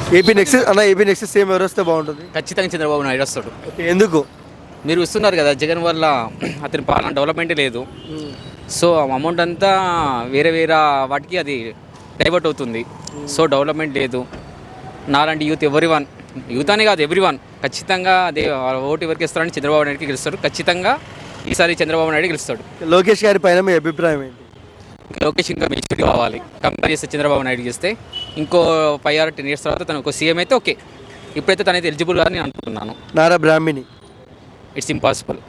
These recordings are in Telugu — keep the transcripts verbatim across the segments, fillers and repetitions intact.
ఏపీ నెక్స్ట్ అన్న ఏపీ నెక్స్ట్ సేమ్ ఎవరు వస్తే బాగుంటుంది? ఖచ్చితంగా చంద్రబాబు నాయుడు వస్తాడు. ఓకే, ఎందుకు? మీరు ఇస్తున్నారు కదా జగన్ వల్ల అతని పాలన డెవలప్మెంటే లేదు. సో అమౌంట్ అంతా వేరే వేరే వాటికి అది డైవర్ట్ అవుతుంది. సో డెవలప్మెంట్ లేదు. నాలాంటి యూత్ ఎవ్రీ వన్, యూత్ అనే కాదు ఎవ్రీ వన్ ఖచ్చితంగా అదే ఓటు ఎవరికి ఇస్తారని చంద్రబాబు నాయుడుకి గెలుస్తారు. ఖచ్చితంగా ఈసారి చంద్రబాబు నాయుడు గెలుస్తాడు. లోకేష్ గారి పైన మీ అభిప్రాయం ఏంటి? ఇంకా లోకేష్ ఇంకా మెచ్యూరిటీ కావాలి. కంపేర్ చేస్తే చంద్రబాబు నాయుడు చేస్తే ఇంకో ఫైవ్ ఆర్ టెన్ ఇయర్స్ తర్వాత తను ఒక సీఎం అయితే ఓకే. ఇప్పుడైతే తనైతే ఎలిజిబుల్ అని నేను అనుకుంటున్నాను. Nara Brahmani it's impossible.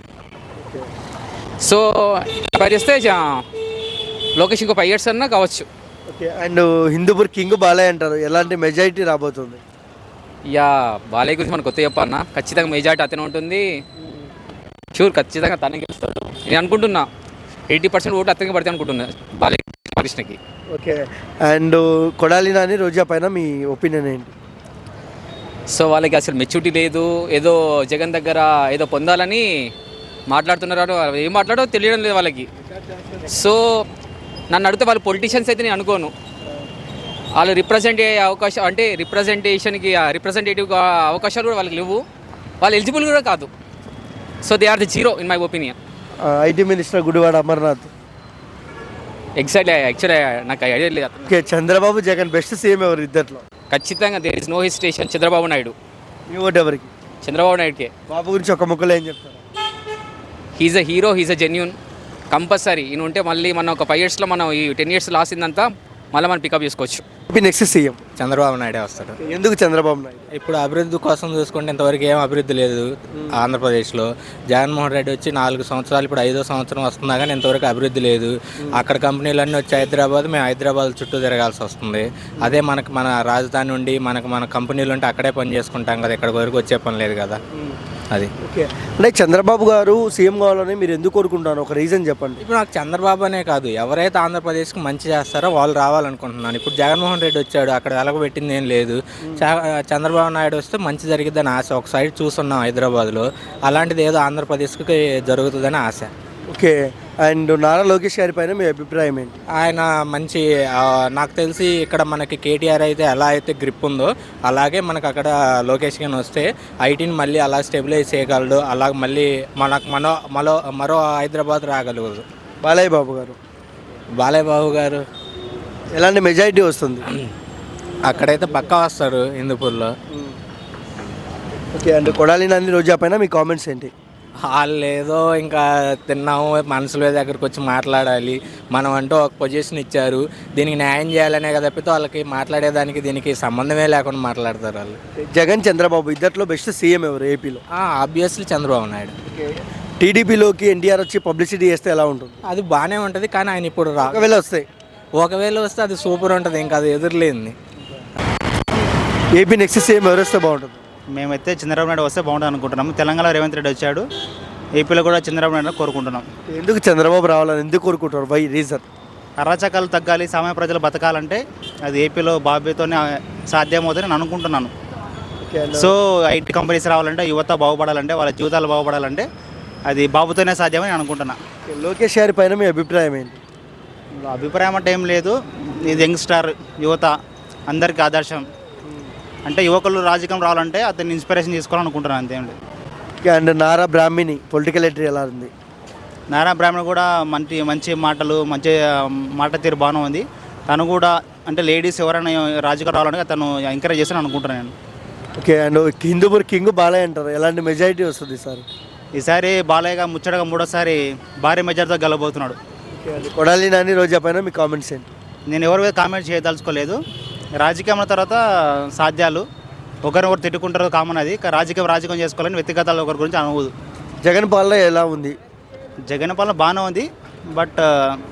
So compare చేస్తే లోకేష్ ఇంకో ఫైవ్ ఇయర్స్ అన్నా కావచ్చు. Okay, and Hindupur king Balayya అంటారు, ఎలాంటి మెజారిటీ రాబోతుంది? యా బాలయ్య గురించి మనకు కొత్త చెప్పన్నా, ఖచ్చితంగా మెజారిటీ అతనే ఉంటుంది. షూర్ ఖచ్చితంగా తనే గెలుస్తాడు నేను అనుకుంటున్నా. ఎయిటీ పర్సెంట్ ఓటు అతనికి పడితే అనుకుంటున్నా బాలయ్య కృష్ణకి. ఓకే, అండ్ కొడాలి నాని రోజా పైన మీ ఒపీనియన్ ఏంటి? సో వాళ్ళకి అసలు మెచ్యూరిటీ లేదు. ఏదో జగన్ దగ్గర ఏదో పొందాలని మాట్లాడుతున్నారు. ఏం మాట్లాడో తెలియడం లేదు వాళ్ళకి. సో నన్ను అడిగితే వాళ్ళు పొలిటీషియన్స్ అయితే నేను అనుకోను. వాళ్ళు రిప్రజెంట్ అయ్యే అవకాశం అంటే రిప్రజెంటేషన్కి రిప్రజెంటేటివ్ అవకాశాలు కూడా వాళ్ళకి లేవు. వాళ్ళు ఎలిజిబుల్ కూడా కాదు. So they are the zero in my opinion. IT minister Gudivada Amarnath exactly actually నాకు ఐడియా లేదు. Okay, Chandrababu Jagan best CM ఎవరు ఇద్దట్లో? ఖచ్చితంగా there is no hesitation Chandrababu Naidu. మీ ఓటు ఎవరికి? చంద్రబాబు నాయుడుకే. బాబు గురించి ఒక ముక్కలో ఏం చెప్తారు? He's a hero, he's a genuine. Compulsory ఈయన ఉంటే మళ్ళీ మనం ఒక ఫైవ్ ఇయర్స్లో మనం ఈ టెన్ ఇయర్స్ లాసిందంతా మళ్ళీ మనం పికప్ చేసుకోవచ్చు. ఏపీ నెక్స్ట్ సీఎం చంద్రబాబు నాయుడే వస్తాడు. ఎందుకు చంద్రబాబు నాయుడు? ఇప్పుడు అభివృద్ధి కోసం చూసుకుంటే ఇంతవరకు ఏం అభివృద్ధి లేదు ఆంధ్రప్రదేశ్లో. జగన్మోహన్ రెడ్డి వచ్చి నాలుగు సంవత్సరాలు, ఇప్పుడు ఐదో సంవత్సరం వస్తున్నా కానీ ఇంతవరకు అభివృద్ధి లేదు. అక్కడ కంపెనీలన్నీ వచ్చి హైదరాబాద్, మేము హైదరాబాద్ చుట్టూ తిరగాల్సి వస్తుంది. అదే మనకు మన రాజధాని ఉండి మనకు మన కంపెనీలు ఉంటే అక్కడే పని చేసుకుంటాం కదా, ఇక్కడి వరకు వచ్చే పని లేదు కదా. అది ఓకే, అంటే చంద్రబాబు గారు సీఎం కావాలని మీరు ఎందుకు కోరుకుంటారు? ఒక రీజన్ చెప్పండి. ఇప్పుడు నాకు చంద్రబాబు అనే కాదు, ఎవరైతే ఆంధ్రప్రదేశ్కి మంచి చేస్తారో వాళ్ళు రావాలనుకుంటున్నాను. ఇప్పుడు జగన్మోహన్ రెడ్డి వచ్చాడు, అక్కడ వెలగబెట్టింది ఏం లేదు. చంద్రబాబు నాయుడు వస్తే మంచి జరిగిద్దని ఆశ. ఒక సైడ్ చూస్తున్నాం హైదరాబాద్లో, అలాంటిది ఏదో ఆంధ్రప్రదేశ్కి జరుగుతుందని ఆశ. ఓకే, అండ్ నారా లోకేష్ గారి పైన మీ అభిప్రాయం ఏంటి? ఆయన మంచి, నాకు తెలిసి ఇక్కడ మనకి కేటీఆర్ అయితే ఎలా అయితే గ్రిప్ ఉందో అలాగే మనకు అక్కడ లోకేష్ గారిని వస్తే ఐటీని మళ్ళీ అలా స్టెబిలైజ్ చేయగలడు. అలాగ మళ్ళీ మనకు మనో మరో మరో హైదరాబాద్ రాగలదు. బాలయ్య బాబు గారు బాలయ్య బాబు గారు ఎలాంటి మెజారిటీ వస్తుంది? అక్కడైతే పక్కా వస్తారు హిందూపూర్లో. ఓకే, అండ్ కొడాలి నాని రోజా పైన మీ కామెంట్స్ ఏంటి? వాళ్ళు ఏదో ఇంకా తిన్నాము, మనుషుల దగ్గరికి వచ్చి మాట్లాడాలి, మనం అంటూ ఒక పొజిషన్ ఇచ్చారు, దీనికి న్యాయం చేయాలనే కదా తప్పితే వాళ్ళకి మాట్లాడేదానికి దీనికి సంబంధమే లేకుండా మాట్లాడతారు వాళ్ళు. జగన్ చంద్రబాబు ఇద్దట్లో బెస్ట్ సీఎం ఎవరు ఏపీలో? ఆబ్వియస్లీ చంద్రబాబు నాయుడు. టీడీపీలోకి ఎన్టీఆర్ వచ్చి పబ్లిసిటీ చేస్తే ఎలా ఉంటుంది? అది బాగానే ఉంటుంది, కానీ ఆయన ఇప్పుడు రా ఒకవేళ వస్తాయి ఒకవేళ వస్తే అది సూపర్ ఉంటుంది, ఇంకా అది ఎదురులేంది. ఏపీ నెక్స్ట్ సీఎం ఎవరు వస్తే బాగుంటుంది? మేమైతే చంద్రబాబు నాయుడు వస్తే బాగుంటుంది అనుకుంటున్నాము. తెలంగాణలో రేవంత్ రెడ్డి వచ్చాడు, ఏపీలో కూడా చంద్రబాబు నాయుడు కోరుకుంటున్నాం. ఎందుకు చంద్రబాబు రావాలని ఎందుకు కోరుకుంటారు? Why reason? అరాచకాలు తగ్గాలి, సామాన్య ప్రజలు బతకాలంటే అది ఏపీలో బాబీతోనే సాధ్యమవుతుందని నేను అనుకుంటున్నాను. సో ఐటీ కంపెనీస్ రావాలంటే, యువత బాగుపడాలంటే, వాళ్ళ జీవితాలు బాగుపడాలంటే అది బాబుతోనే సాధ్యమని అనుకుంటున్నా. లోకేష్ గారి పైన మీ అభిప్రాయం ఏంటి? అభిప్రాయం అంటే ఏం లేదు, ఇది యంగ్స్టార్, యువత అందరికీ ఆదర్శం. అంటే యువకులు రాజకీయం రావాలంటే అతన్ని ఇన్స్పిరేషన్ తీసుకోవాలనుకుంటున్నాను, అంతేం లేదు. And Nara Brahmani political entry ఎలా ఉంది? నారా బ్రాహ్మణ్ కూడా మంచి మంచి మాటలు, మంచి మాట తీరు బాగానే ఉంది. తను కూడా అంటే లేడీస్ ఎవరైనా రాజకీయం రావాలంటే తను ఎంకరేజ్ చేస్తాను అనుకుంటున్నాను నేను. Okay, and Hindupur king Balayya అంటారు, ఎలాంటి మెజారిటీ వస్తుంది ఈసారి? ఈసారి బాలయ్యగా ముచ్చటగా మూడోసారి భారీ మెజార్టీతో గెలబోతున్నాడు. కొడాలి నాని రోజా పైన మీ కామెంట్స్ ఏంటి? నేను ఎవరి మీద కామెంట్ చేయదలుచుకోలేదు. రాజకీయం తర్వాత సాధ్యాలు ఒకరినొకరు తిట్టుకుంటారు, కామన్. అది రాజకీయం రాజకీయం చేసుకోవాలని వ్యక్తిగతాలు ఒకరి గురించి అనుకోదు. జగన్ పాలన ఎలా ఉంది? జగన్ పాలన బాగానే ఉంది, బట్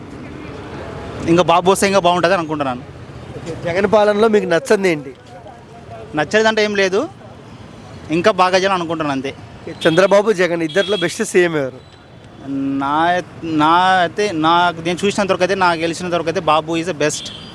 ఇంకా బాబు వస్తే ఇంకా బాగుంటుంది అనుకుంటున్నాను. జగన్ పాలనలో మీకు నచ్చంది ఏంటి? నచ్చేదంటే ఏం లేదు, ఇంకా బాగా చేయాలని అనుకుంటున్నాను అంతే. చంద్రబాబు జగన్ ఇద్దరిలో బెస్ట్ సీఎం ఎవరు? నా నా అయితే నాకు నేను చూసినంత వరకు అయితే, నాకు గెలిచినంత వరకు అయితే బాబు ఈజ్ ద బెస్ట్.